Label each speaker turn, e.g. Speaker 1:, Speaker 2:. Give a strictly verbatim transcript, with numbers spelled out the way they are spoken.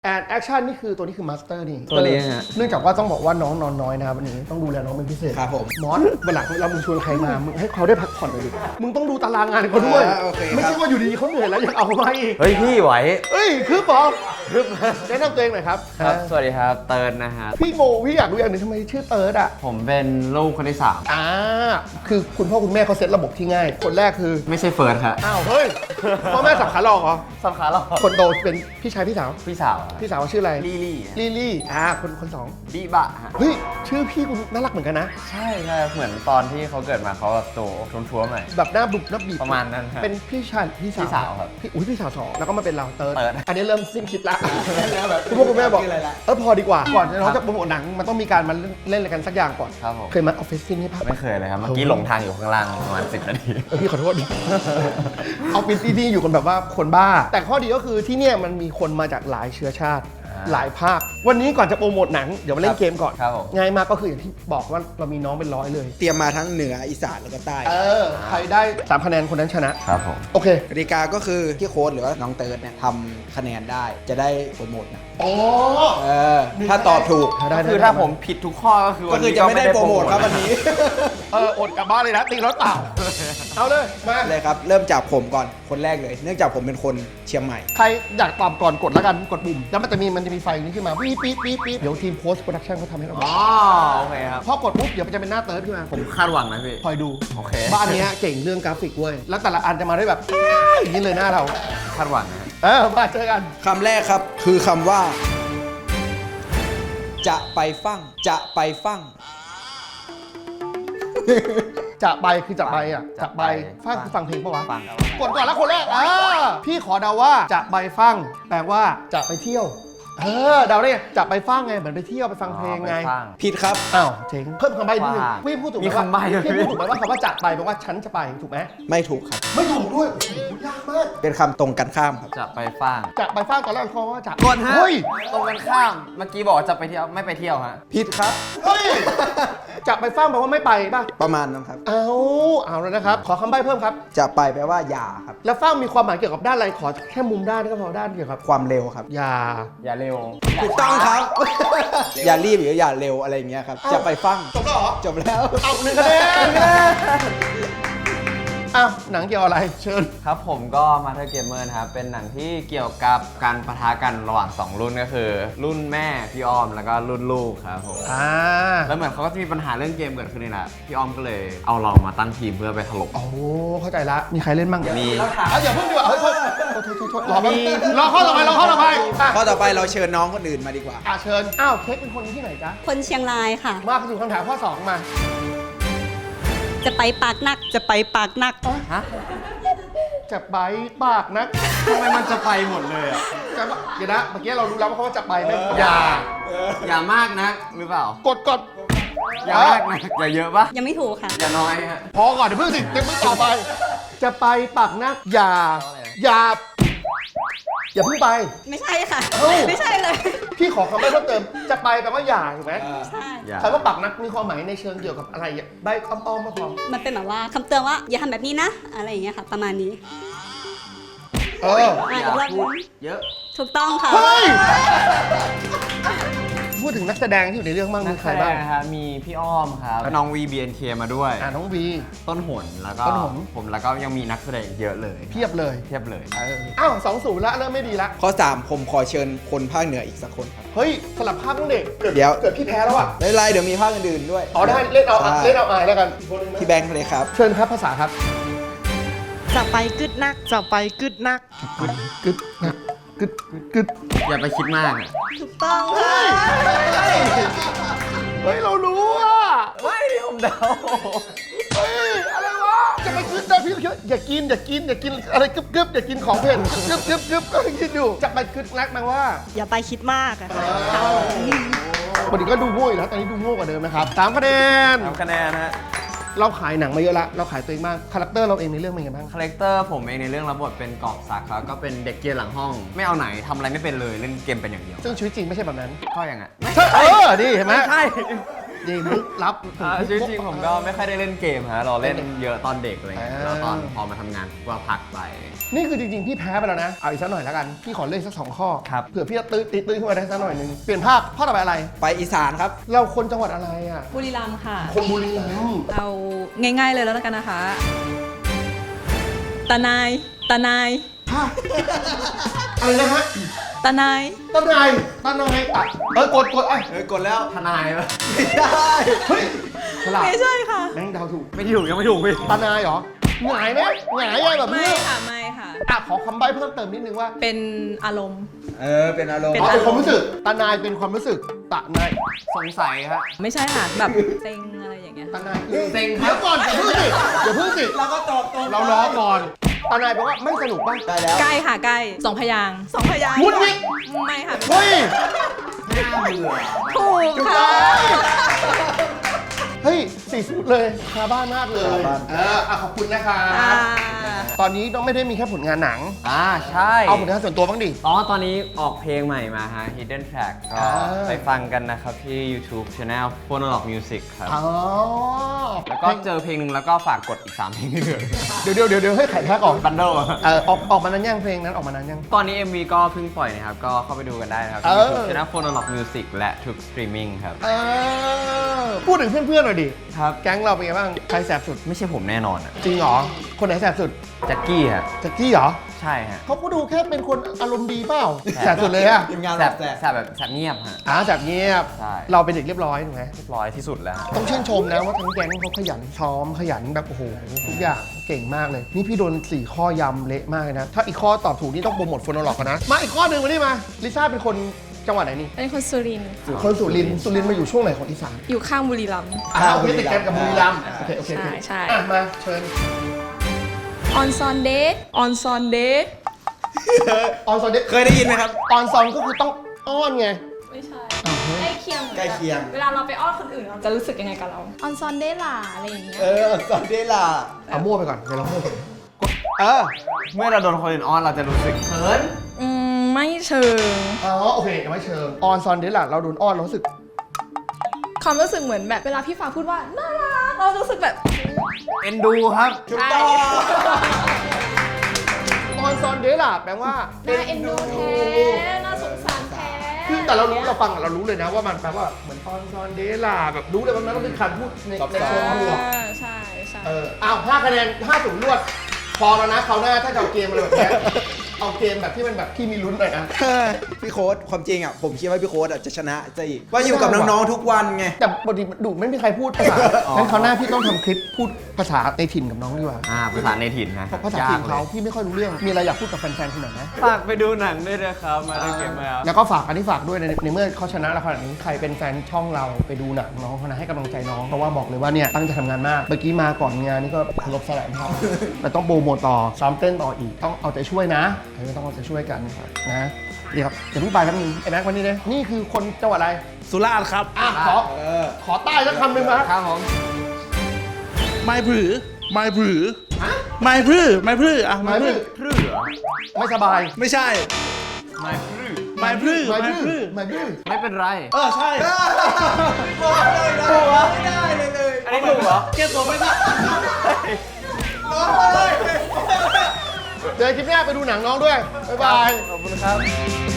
Speaker 1: แอนแอคชั่นนี่คือตัวนี้คือมาสเตอร์นี่
Speaker 2: ตัวนี้ฮะ
Speaker 1: เนื่องจากว่าต้องบอกว่าน้องนอนน้อยนะครับวันนี้ต้องดูแลน้องเป็นพิเศษ
Speaker 3: ครับผม
Speaker 1: มอสวันหลังเรามึงชวนใครมามึงให้เขาได้พักผ่อนหน่อยดิมึงต้องดูตารางงานเขาด้วย
Speaker 3: อ่าโอเคครับ
Speaker 1: ไม่ใช่ว่าอยู่ดีๆเขาเหนื่อยแล้วยังเอาเขามาอีก
Speaker 2: เฮ้ยพี่ไหว
Speaker 1: เอ้ยคือปอคือแนะนำตัวเองหน่อยครับ
Speaker 2: ครับ สวัสดีครับ เติร์นนะฮะ
Speaker 1: พี่โมพี่อยากรู้อย่างหนึงทำไมชื่อเติร์ดอ่ะ
Speaker 2: ผมเป็นลูกคนที่สาม
Speaker 1: อ่าคือคุณพ่อคุณแม่เขาเซตระบบที่ง่าย คนแรกคือ
Speaker 2: ไม่ใช่เฟิร์สครับ
Speaker 1: อ้าวเฮ้ยพ่อแม่สับขาหลอกเหรอ
Speaker 2: สำคัญหรอ
Speaker 1: คนโตเป็นพี่ชายพี่สาว
Speaker 2: พี่สาวอะ
Speaker 1: พี่สาวชื่ออะไร
Speaker 2: ลี่ลี่
Speaker 1: ลี่ลี่อ่าคนคนสอง
Speaker 2: บิบะฮะ
Speaker 1: เฮ้ยชื่อพี่คุณน่ารักเหมือนกันนะ
Speaker 2: ใช่ใช่เหมือนตอนที่เขาเกิดมาเขาแบบโตท้วมๆหน่อย
Speaker 1: แบบหน้าบุบหน้าบีบ
Speaker 2: ประมาณนั้นครับ
Speaker 1: เป็นพี่ชายพี่สาว
Speaker 2: พี่สาวครับ
Speaker 1: พี่อุ้ยพี่สาวสองแล้วก็มาเป็นเราเติร์ด
Speaker 2: เติร์ด
Speaker 1: อันนี้เริ่มสิ้นคิดละคุณพ่อคุณแม่บอกเออพอดีกว่าก่อนจะน้อง
Speaker 2: ครั
Speaker 1: จะ
Speaker 2: บ
Speaker 1: โปรโมทหนังมันต้องมีการมาเล่นอะไรกันสักอย่างก่อน
Speaker 2: ครับผม
Speaker 1: เคยมาออฟฟิศซิ่งนี่ปะ
Speaker 2: ไม่เคยเลยครับ เมื่อกี้หลงทางอยู่ข้างล่างประมาณสิบนาที
Speaker 1: เออพี่ขอโทษ เอาเป็นที่นี่อยู่กันแบบว่าคนบ้า แต่ข้อดีก็คือที่เนี่ยมันมีคนมาจากหลายเชื้อชาติ
Speaker 2: อ่า
Speaker 1: หลายภาค วันนี้ก่อนจะโปรโมทหนังเดี๋ยวมาเล่นเกมก่อน
Speaker 2: ครับผม
Speaker 1: ง่ายมากก็คืออย่างที่บอกว่าเรามีน้องเป็นร้อยเลย
Speaker 3: เตรียมมาทั้งเหนืออีสานแล้วก็ใต้
Speaker 1: เออใครได้สามคะแนนคนนั้นชนะ
Speaker 2: ครับผม
Speaker 1: โอเค
Speaker 3: กติกาก็คือที่โค้ดหรือว่าน้องเติร์ดเนี่ยทำคะแนนได้จะได้โปรโมทนะ
Speaker 1: อ๋อ
Speaker 3: เออถ้าตอบถูก
Speaker 1: ได้
Speaker 2: คือถ้าผมผิดทุกข้อก็คือ
Speaker 3: ก็คือจะไม่ได้โปรโมทครับวันนี้
Speaker 1: เอออดกลับบ้านเลยนะตีรถเปล่า เอาเลยมา
Speaker 3: เลยครับ เริ่มจากผมก่อนคนแรกเลย เนื่องจากผมเป็นคนเชียงใหม่
Speaker 1: ใครอยากตอบก่อนกดแล้วกันกดปุ่มแล้วมันจะมีมันจะมีไฟนี้ขึ้นมาปี๊ดปี๊ดปี๊ดปี๊ดเดี๋ยวทีมโพสต์โปรดักชั่นเขาทำให้เรา
Speaker 2: อ๋อโอเคครับ
Speaker 1: พอกดปุ๊บเดี๋ยวมันจะเป็นหน้าเติร์ดขึ้นมา
Speaker 2: ผมคาดหวังนะพี่
Speaker 1: คอยดู
Speaker 2: โอเค
Speaker 1: บ้านเนี้ยเก่งเรื่องกราฟิกเว้ย แล้วแต่ละอันจะมาได้แบบอย่างนี้เลยหน้าเรา
Speaker 2: คาดหวังนะ
Speaker 1: เออมาเจอกัน
Speaker 3: คำแรกครับคือคำว่า จะไปฟั่งจะไปฟั่ง
Speaker 1: จะไปคือจะไปอ่ะจะไปฟังคือฟังเพลงปะวะ
Speaker 2: ฟัง
Speaker 1: กดก่อนแล้วคนแรกอ่าพี่ขอเดาว่าจะไปฟังแปลว่าจะไปเที่ยว เออเดาได้ไงจะไปฟังไงเหมือนไปเที่ยวไปฟังเพลงไง
Speaker 2: ฟัง
Speaker 3: ผิดครับ
Speaker 1: อ้าวเจ๋งเพิ่มคำใบ้นิดนึง
Speaker 2: ว่า
Speaker 1: พี่พูดถูกไหม
Speaker 2: มี
Speaker 1: ว่า
Speaker 2: คำใบ้ด้วย
Speaker 1: พี่พูดถูกไหมว่าคำว่าจะไปแปลว่าฉันจะไปถูกไหม
Speaker 3: ไม่ถูกครับ
Speaker 1: ไม่ถูกด้วยโอ้โหยากมาก
Speaker 3: เป็นคำตรงกันข้ามครับ
Speaker 2: จะไปฟัง
Speaker 1: จะไปฟังตอนแรกเขาว่าจะ
Speaker 2: กดฮะ
Speaker 1: เฮ้ย
Speaker 2: ตรงกันข้าม เมื่อกี้บอกว่าจะไปเที่ยวไม่ไปเที่ยวฮะ
Speaker 3: ผิดครับ
Speaker 1: เฮ้ยจะไปฟังแปลว่าไม่ไปป่ะ
Speaker 3: ประมาณนั้นครับ
Speaker 1: เอาเอาแล้วนะครับ ขอคำใบ้เพิ่มครับ
Speaker 3: จะไปแปลว่าอย่าครับ
Speaker 1: แล้วฟังมีความหมายเกี่ยวกับด้านอะไร ขอแค่มุมด้านก็พอด้านเกี่ยวกับ
Speaker 3: ความเร็วครับ
Speaker 1: อย่า
Speaker 2: อย่าเร็ว
Speaker 3: ถูกต้องครับ อย่ารีบหรืออย่าเร็วอะไรอย่างเงี้ยครับ จะไปฟั่ง
Speaker 1: จบแล้วเหรอ
Speaker 3: จบแล้ว
Speaker 1: เอาหนึ่งคะแนนอ้าวหนังเกี่ยวอะไร เชิญ
Speaker 2: ครับผมก็มาเธอเกมเมอร์นะครับ เป็นหนังที่เกี่ยวกับการปะทะกันระหว่างสองรุ่นก็คือ รุ่นแม่พี่อ้อมแล้วก็รุ่นลูกครับผม
Speaker 1: อ่า
Speaker 2: แล้วเหมือนเขาก็จะมีปัญหาเรื่องเกมเกิดขึ้นนี่แหละพี่อ้อมก็เลยเอาเรามาตั้งทีมเพื่อไปถล่ม
Speaker 1: โอ้เข้าใจละ มีใครเล่นบ้าง
Speaker 2: มี
Speaker 1: เอาอย่าเพิ่งดีกว่าเฮ้ยโทษโทษโทษโทษโทษรอแป๊บรอข้อต่อไปรอข้อต่อไปอ่ะ
Speaker 3: ข้อต่อไปเราเชิญน้องคนอื่นมาดีกว่า
Speaker 1: อ่ะเชิญ อ้าวเค้กเป็นคนที่ไหนจ๊ะ
Speaker 4: คนเชียงรายค่ะ
Speaker 1: มาสู่คำถามข้อสองมา
Speaker 4: จะไปปากนัก จะไปปากนัก
Speaker 2: ฮะ
Speaker 1: จะไปปากนะ
Speaker 2: ทำไมมันจะไปหมดเลยอ่ะ
Speaker 1: จะเดี๋ยวนะ เมื่อกี้เรารู้แล้วว่าเขาว่าจะไปไหม
Speaker 2: อย่า อย่ามากนะหรือเปล่า
Speaker 1: กดกด
Speaker 2: อย่ามากนะอย่าเยอะปะ
Speaker 4: ยังไม่ถูกค่ะ
Speaker 2: อย่าน้อยฮะ
Speaker 1: พอก่อนเดี๋ยวเพิ่งสิเดี๋ยวเพิ่งต่อไป จะไปปากนักอย่า อย่า อย่าเพิ่งไป
Speaker 4: ไม่ใช่ค่ะ
Speaker 1: เอ้า
Speaker 4: ไม่ใช่เลย
Speaker 1: พี่ขอคำใบ้เพิ่มเติม จะไปแปลว่าอย่าถูกไหม
Speaker 4: ใช่
Speaker 2: อย่า
Speaker 1: คำว่าปากนักมีความหมายในเชิงเกี่ยวกับอะไรอ่ะใบอ้อมๆมาพอ
Speaker 4: มันเป็นแบบว่าคำเตือนว่าอย่าทำแบบนี้นะ อะไรอย่างเงี้ยค่ะ ประมาณนี้
Speaker 1: เออ
Speaker 4: อ่ะ
Speaker 2: อย่า
Speaker 4: อีกรอบ
Speaker 2: พู
Speaker 4: นึ
Speaker 2: ด
Speaker 4: ง
Speaker 2: เยอะ
Speaker 4: ถูกต้องค่ะ
Speaker 1: เฮ้ย พูดถึงนักแสดงที่อยู่ในเรื่องบ้างมีใครบ้าง
Speaker 2: นะครับมีพี่อ้อมครับน้อง วี บี เอ็น เค มาด้วย
Speaker 1: อ่าน้องวี
Speaker 2: ต้นหนแล้วก็
Speaker 1: ต้นหน
Speaker 2: ผมแล้วก็ยังมีนักแสดงอีกเยอะเลย
Speaker 1: เพียบเลย
Speaker 2: เทียบเลย
Speaker 1: เอออ้าวสองศูนย์ละเริ่มไม่ดีละ
Speaker 3: ข้อสามผมขอเชิญคนภาคเหนืออีกสักคนครับ
Speaker 1: เฮ้ยสลับภาพต้องเด็กเกิด
Speaker 3: เดี๋ยว
Speaker 1: เกิดพี่แพ้แล้วอ่ะ
Speaker 3: ไม่เป็นไรเดี๋ยวมีภาคอื่นๆด้วย
Speaker 1: อ๋อได้เล่นเอา
Speaker 3: ใช่
Speaker 1: เล่นเอาอายแล้วกันอีกคนนึงนะ
Speaker 3: พี่แบงค์เลยครับ
Speaker 1: เชิญครับภาษาครับ
Speaker 5: จะไปกึดนัก จะไปกึดนัก
Speaker 1: กึดกึดนะกึดกึด
Speaker 2: อย่าไปคิดมากอะ
Speaker 4: ถูกต้องค่ะ
Speaker 1: เฮ้ยเรารู้อ่ะ
Speaker 2: ไม่ผมเดา
Speaker 1: เฮ้ยอะไรวะจะไปกึดนะพี่เยอะอย่ากินอย่ากินอย่ากินอะไรกึบกึบอย่ากินของเผ็ดกึบกึบกึบก็คิดอยู่จะไปกึดนักแปลว่า
Speaker 5: อย่าไปคิดมากอะ
Speaker 1: วันนี้ก็ดูโง่อยู่แล้วตอนนี้ดูโง่กว่าเดิมนะครับสามคะแนน
Speaker 2: ทำคะแนนฮะ
Speaker 1: เราขายหนังมาเยอะละเราขายตัวเองบ้างคาแรคเตอร์เราเองในเรื่องเป็นไงบ้าง
Speaker 2: คาแรคเตอร์ผมเองในเรื่องรับบทเป็นกอบศักดิ์ครับก็เป็นเด็กเกรียนหลังห้อง ไม่เอาไหนทำอะไรไม่เป็นเลยเล่นเกมเป็นอย่างเดียว
Speaker 1: ซึ่งชีวิตจริงไม่ใช่แบบนั้น
Speaker 2: ก็อย่างนั้น
Speaker 1: ใช่เออนี่เห็นไหม
Speaker 2: ไม่ใช่
Speaker 1: นี่มุกลับ
Speaker 2: อ่าจริงๆผมก็ไม่ค่อยได้เล่นเกมฮะเราเล่นเยอะตอนเด็กอะไรเงี้ย
Speaker 1: อ่า
Speaker 2: แล้วตอนพอมาทำงานก็พักไป
Speaker 1: นี่คือจริงๆ พี่แพ้ไปแล้วนะ เอาอีกสักหน่อยแล้วกัน พี่ขอเลือกสักสองข้อ
Speaker 2: ครับ
Speaker 1: เผื่อพี่จะตื้อตีตื้อขึ้นมาได้สักหน่อยหนึง เปลี่ยนภาคข้อต่อไปอะไร
Speaker 3: ไปอีสานครับ
Speaker 1: เราคนจังหวัดอะไรอ่ะ
Speaker 4: บุรีรัมย์ค่ะ
Speaker 1: คนบุรีรัมย์
Speaker 4: เอาง่ายๆเลยแล้วกันนะคะ ตานาย ตานาย
Speaker 1: ฮะอะไรนะฮะ
Speaker 4: ตานาย
Speaker 1: ตานายตานายอ่ะเออกดกดไอ้ย
Speaker 3: เฮ้ย กดแล้ว
Speaker 2: ทนายปะ
Speaker 3: ไม่ได้
Speaker 1: เฮ้ยฉลาด
Speaker 4: ไม่ใช่ค่ะ
Speaker 1: แม่งเดาถูก
Speaker 2: ไม่ถูกยังไม่ถูกพี่
Speaker 1: ตานายเหรอหงายไหมหงายยังแบบ
Speaker 4: ไม่
Speaker 1: นี้
Speaker 4: ค่ะ ไม่ค่ะ
Speaker 1: อ่ะขอคำใบ้เพิ่มเติมนิดนึงว่า
Speaker 4: เป็นอารมณ์
Speaker 3: เออ เป็นอารมณ์
Speaker 4: เป็น
Speaker 1: อ๋อเป็นความรู้สึกตานายเป็นความรู้สึกตานาย
Speaker 2: สงสัยครับ
Speaker 4: ไม่ใช่ค่ะ แบบเซ็งอะไรอย่างเงี้ย
Speaker 1: ตานายคือ
Speaker 2: เซ็งครับ
Speaker 1: เดี๋ยวก่อนอย่าเพิ่งสิอย่าเพิ่งสิ
Speaker 3: เราก็ตอบตรง
Speaker 1: เราล้อก่อนตานายแปลว่าไม่สนุกป่ะ
Speaker 3: ได้แล้ว
Speaker 4: ใกล้ค่ะ ใกล้สองพยางค์สองพยางค์
Speaker 1: มุดมิด
Speaker 4: ไม่ค่ะ
Speaker 1: เฮ้ย
Speaker 2: น่าเบื่อ
Speaker 4: ถูก
Speaker 1: ถูก
Speaker 4: ค่ะ
Speaker 1: ต้องเฮ้ยสี่สุดเลยคาบ้านมากเลย
Speaker 3: คาบ้าน
Speaker 1: เอออ่ะขอบคุณนะคะ
Speaker 4: อ่า
Speaker 1: ตอนนี้ต้องไม่ได้มีแค่ผลงานหนัง
Speaker 2: อ่าใช่
Speaker 1: เอาผลงานส่วนตัวบ้างดิ
Speaker 2: อ๋อตอนนี้ออกเพลงใหม่มาฮะ Hidden Track ก็
Speaker 1: อ่า
Speaker 2: ไปฟังกันนะครับที่ YouTube Channel Phonolog Music ครับ
Speaker 1: อ๋อ
Speaker 2: แล้วก็เจอเพลงหนึ่งแล้วก็ฝากกดอีกสามเพลงที่เหลือ
Speaker 1: เดี๋ยวเดี๋ยวเดี๋ยวเดี๋ยวให้ไข่แพ้ก่อน
Speaker 2: บันโด
Speaker 1: เออออกออกมานานยังเพลงนั้นออกมานานยัง
Speaker 2: ตอนนี้ เอ็ม วี ก็เพิ่งปล่อยนะครับ ก็เข้าไปดูกันได้นะครับ
Speaker 1: เอ
Speaker 2: ที่
Speaker 1: อ
Speaker 2: YouTube Channel Phonolog Music และทุกสตรีมมิ่งครับ
Speaker 1: เออพูดถึงเพื่อนๆหน่อยดิ
Speaker 2: ครับ
Speaker 1: แก๊งเราเป็นไงบ้างใครแสบสุด
Speaker 2: ไม่ใช่ผมแน่นอนอ่ะ
Speaker 1: จริงเหรอคนไหนแสบสุด
Speaker 2: แจ็คกี้ฮะ
Speaker 1: แจ็คกี้เหรอ
Speaker 2: ใช่ฮะ
Speaker 1: เขาก็ดูแค่เป็นคนอารมณ์ดีเปล่าแสบสุดเลยอะ
Speaker 3: ทีมงาน
Speaker 2: แส
Speaker 3: แบบ บแสบ
Speaker 2: แสบแบบแสบเงียบฮะ
Speaker 1: อ่าแสบเงียบ
Speaker 2: ใช่
Speaker 1: เราเป็นเด็กเรียบร้อยถูกไหม
Speaker 2: เรียบร้อยที่สุดแล้วฮะ
Speaker 1: ต้องชื่นชมนะว่าทั้งแก๊งเขาขยันซ้อมขยันแบบโอ้โหทุกอย่างเก่งมากเลย นี่พี่โดนสี่ข้อยำเละมากเลยนะ ถ้าอีกข้อตอบถูกนี่ต้องโปรโมทโฟนอล็อกกันนะ มาอีกข้อหนึ่งมานี่มาลิซ่าเป็นคนจังหวัดไหนนี่
Speaker 5: เป็นคนสุรินทร์
Speaker 1: คนสุรินทร์สุรินทร์มาอยู่ช่วงไหนของอีสาน
Speaker 5: อยู่ข้างบุรีรัมย์
Speaker 1: อ่าโอเคติดกันกับบุรีรัมย์โอเคโอเคโอเค
Speaker 5: ใช่ใช่
Speaker 1: อ่ะมาเชิญ
Speaker 5: ออนซอนเดย์ออนซอนเดย์
Speaker 1: ออนซอนเด
Speaker 3: เคยได้ยินไหมครับ
Speaker 1: ออนซอนก็คือต้องอ้อนไง
Speaker 5: ไม่ใช่
Speaker 1: อ้าวเฮ้ย
Speaker 5: ใกล้เคียงหมือนน
Speaker 3: ใกล้เคียง
Speaker 5: เวลาเราไปอ้อนคนอื่นเราจะรู้สึกยังไงกับเราออนซอนเดย์ล่ะอะไรอย่างเงี้ย
Speaker 3: เออสอนเดล่า
Speaker 1: เอามั่วไปก่อนเดี๋ยวเรามั่วไปกดเออ
Speaker 2: เมื่อเราโดนคนอื่นอ้อนเราจะรู้สึกเขิน
Speaker 5: อืมไม่เชิง
Speaker 1: อ๋อโอเคยังไม่เชิงออนซอนเดล่ะเราโดนอ้อนเรารู้สึก
Speaker 5: ความรู้สึกเหมือนแบบเวลาพี่ฟ้าพูดว่าน่ารักเรารู้สึกแบบ
Speaker 2: เอ็นดูครับ
Speaker 3: ถูกต้อง
Speaker 1: ออนซอนเดล่ะแปลว่า
Speaker 5: น่าเอ็นดูแท้น่าสงสารแท้
Speaker 1: คือแต่เรารู้เราฟังอะเรารู้เลยนะว่ามันแปลว่าเหมือนออนซอนเดล่ะแบบรู้เลยว่ามันต้องเป็นคำพูดในในเชิงบวก
Speaker 5: อ่าใช่ใช่
Speaker 1: เอออ้าวห้าคะแนนห้าศูนย์รวด พอแล้วนะคราวหน้าถ้าจะเอาเกมอะไรแบบเนี้ยเอาเกมแบบที่มันแบบที่มีลุ้นหน่อยนะ
Speaker 3: พี่โค้ดความจริงอ่ะ ผมคิดว่าพี่โค้ดอ่ะจะชนะจะอีก ว่าอยู่กับน้องๆทุกวันไง
Speaker 1: แต่ปกติดูไม่มีใครพูดภาษางั้นคราวหน้าพี่ต้องทำคลิปพูดภาษาในถิ่นกับน้องดีกว่า
Speaker 2: อ่าภาษาในถิ่นนะ
Speaker 1: เพราะภาษาถิ่นเขาพี่ไม่ค่อยรู้เรื่อง มีอะไรอยากพูดกับแฟนๆคุณหน่อยนะ
Speaker 2: ฝากไปดูหนังด้วยนะครับ มาได้เก็บมา
Speaker 1: แล้วก็ฝากอันนี้ฝากด้วยในในเมื่อเขาชนะแล้วขนาดนี้ใครเป็นแฟนช่องเราไปดูหนังน้องเขานะให้กำลังใจน้องเพราะว่าบอกเลยว่าเนี่ยตั้งใจทำงานมากเมื่อกี้มาก่อนงานนี่ก็เคารพสลายเขาแต่ต้องโปรโมทต่อซ้อมเต้นต่ออีกต้องเอาใจช่วยนะเออต้องเอาใจช่วยกันนะเดี๋ยวครับเดี๋ยวเพิ่งไปครับนึงไอ้แม็กวันนี้เลยนี่คือคนจังหวัดอะไร
Speaker 6: สุราษฎร์ครับ
Speaker 1: อ่ะขอ
Speaker 3: เออ
Speaker 1: ขอใต้สักคำหนึ่งมา
Speaker 2: ครับผม
Speaker 6: ไม้ผือ ไม้ผือ
Speaker 1: ฮะ
Speaker 6: ไม้พือไม้พืออ่ะ
Speaker 1: ไม้
Speaker 6: ไม้
Speaker 1: พื
Speaker 6: พื
Speaker 1: อ
Speaker 6: อ
Speaker 2: พรือเหรอ
Speaker 1: ไม่สบาย
Speaker 6: ไม่ใช่
Speaker 2: ไม่พรือ
Speaker 6: ไม้พือ
Speaker 1: ไม้
Speaker 6: ไม้
Speaker 1: พื
Speaker 6: พื
Speaker 1: อ
Speaker 6: อ
Speaker 1: ไม้พือ
Speaker 2: ไม่เป็นไร
Speaker 6: เออ ใช่
Speaker 3: บอกเลยนะไม่ได้เลยเลย
Speaker 2: อันนี้ถูกเหรอ
Speaker 6: แก้ตัวไม่ได้
Speaker 3: น้องเลย
Speaker 1: เจอคลิปหน้าไปดูหนังน้องด้วยบ๊ายบาย
Speaker 2: ขอบคุณครับ